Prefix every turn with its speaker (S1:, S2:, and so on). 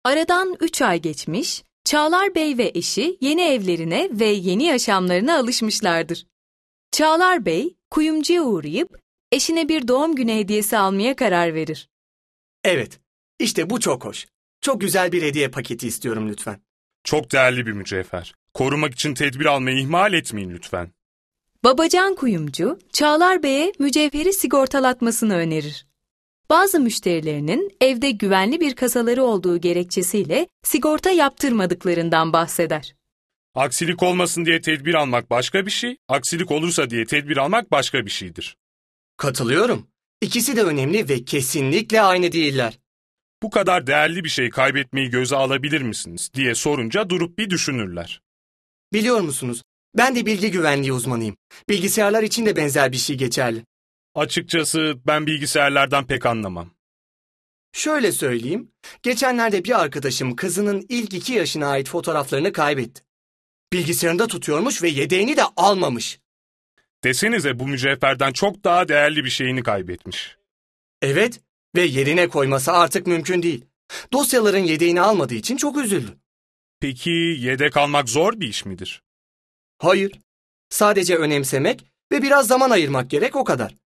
S1: Aradan 3 ay geçmiş, Çağlar Bey ve eşi yeni evlerine ve yeni yaşamlarına alışmışlardır. Çağlar Bey, kuyumcuya uğrayıp eşine bir doğum günü hediyesi almaya karar verir.
S2: Evet, işte bu çok hoş. Çok güzel bir hediye paketi istiyorum lütfen.
S3: Çok değerli bir mücevher. Korumak için tedbir almayı ihmal etmeyin lütfen.
S1: Babacan kuyumcu, Çağlar Bey'e mücevheri sigortalatmasını önerir. Bazı müşterilerinin evde güvenli bir kasaları olduğu gerekçesiyle sigorta yaptırmadıklarından bahseder.
S3: Aksilik olmasın diye tedbir almak başka bir şey, aksilik olursa diye tedbir almak başka bir şeydir.
S2: Katılıyorum. İkisi de önemli ve kesinlikle aynı değiller.
S3: Bu kadar değerli bir şey kaybetmeyi göze alabilir misiniz diye sorunca durup bir düşünürler.
S2: Biliyor musunuz? Ben de bilgi güvenliği uzmanıyım. Bilgisayarlar için de benzer bir şey geçerli.
S3: Açıkçası ben bilgisayarlardan pek anlamam.
S2: Şöyle söyleyeyim. Geçenlerde bir arkadaşım kızının ilk 2 yaşına ait fotoğraflarını kaybetti. Bilgisayarında tutuyormuş ve yedeğini de almamış.
S3: Desenize bu mücevherden çok daha değerli bir şeyini kaybetmiş.
S2: Evet ve yerine koyması artık mümkün değil. Dosyaların yedeğini almadığı için çok üzüldü.
S3: Peki yedek almak zor bir iş midir?
S2: Hayır. Sadece önemsemek ve biraz zaman ayırmak gerek, o kadar.